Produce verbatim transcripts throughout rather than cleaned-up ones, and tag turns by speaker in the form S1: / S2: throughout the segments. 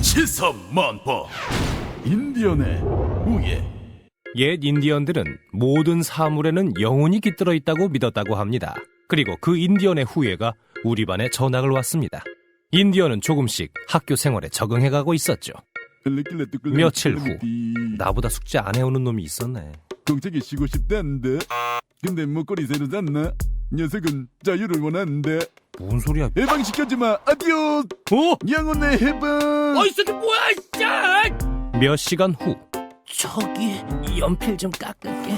S1: 치사만파 인디언의 후예.
S2: 옛 인디언들은 모든 사물에는 영혼이 깃들어 있다고 믿었다고 합니다. 그리고 그 인디언의 후예가 우리 반에 전학을 왔습니다. 인디언은 조금씩 학교 생활에 적응해가고 있었죠. 며칠 후 나보다 숙제 안 해오는 놈이 있었네.
S1: 공책이 쉬고 싶다는데 근데 목걸이 새로 샀나? 녀석은 자유를 원하는데.
S2: 뭔 소리야?
S1: 해방시켜주마. 아디오스.
S2: 어?
S1: 영혼의 해방.
S3: 어이 새끼 뭐야 진짜.
S2: 몇 시간 후
S3: 저기 연필 좀 깎을게.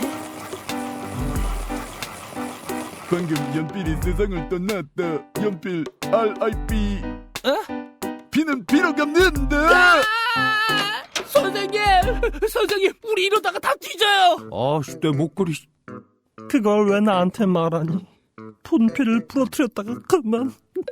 S1: 방금 연필이 세상을 떠났다. 연필 알 아이 피.
S3: 어?
S1: 피는 피로 갚는다.
S3: 아! 선생님 선생님 우리 이러다가 다 뒤져요.
S2: 아씨 내 목걸이.
S4: 그걸 왜 나한테 말하니? 분필을 부러뜨렸다가 그만.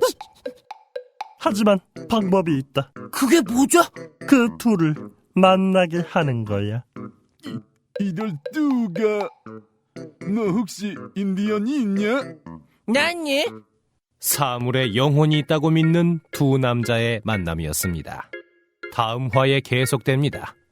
S4: 하지만 방법이 있다.
S3: 그게 뭐죠?
S4: 그 둘을 만나게 하는 거야.
S1: 이럴 수가. 너 혹시 인디언이 있냐?
S3: 난니
S2: 사물에 영혼이 있다고 믿는 두 남자의 만남이었습니다. 다음 화에 계속됩니다.